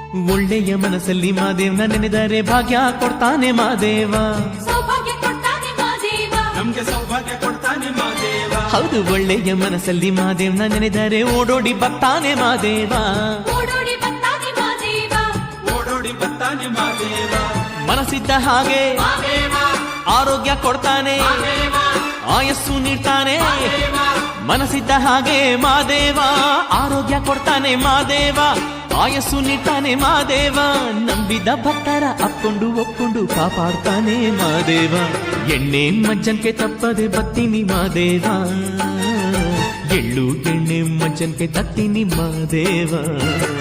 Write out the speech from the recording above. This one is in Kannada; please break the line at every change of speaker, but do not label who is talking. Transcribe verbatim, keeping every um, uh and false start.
ಒಳ್ಳೆಯ ಮನಸ್ಸಲ್ಲಿ ಮಾದೇವ್ನ ನೆನೆದರೆ ಭಾಗ್ಯ ಕೊಡ್ತಾನೆ ಮಾದೇವ.
ಸೌಭಾಗ್ಯ ಕೊಡ್ತಾನೆ ಮಾದೇವ,
ನಮ್ಗೆ ಸೌಭಾಗ್ಯ ಕೊಡ್ತಾನೆ ಮಾದೇವ.
ಹೌದು, ಒಳ್ಳೆಯ ಮನಸ್ಸಲ್ಲಿ ಮಾದೇವ್ನ ನೆನೆದರೆ ಓಡೋಡಿ ಬರ್ತಾನೆ ಮಾದೇವ.
ಓಡೋಡಿ ಬರ್ತಾನೆ ಮಾದೇವ,
ಓಡೋಡಿ ಬರ್ತಾನೆ ಮಾದೇವ.
ಮನಸ್ಸಿದ್ದ ಹಾಗೆ
ಮಾದೇವ,
ಆರೋಗ್ಯ ಕೊಡ್ತಾನೆ,
ಮಾದೇವ,
ಆಯಸ್ಸು ನೀಡ್ತಾನೆ.
ಮಾದೇವ,
ಮನಸ್ಸಿದ್ದ ಹಾಗೆ ಮಾದೇವ ಆರೋಗ್ಯ ಕೊಡ್ತಾನೆ ಮಾದೇವ, ಆಯಸ್ಸು ನೀಡ್ತಾನೆ ಮಾದೇವ. ನಂಬಿದ ಭಕ್ತರ ಅಪ್ಕೊಂಡು ಒಪ್ಕೊಂಡು ಕಾಪಾಡ್ತಾನೆ ಮಾದೇವ. ಎಣ್ಣೆ ಮಜ್ಜನ್ಕೆ ತಪ್ಪದೆ ಬತ್ತೀನಿ ಮಾದೇವ, ಎಳ್ಳು ಎಣ್ಣೆ ಮಜ್ಜನ್ಕೆ ತತ್ತೀನಿ ಮಾದೇವ.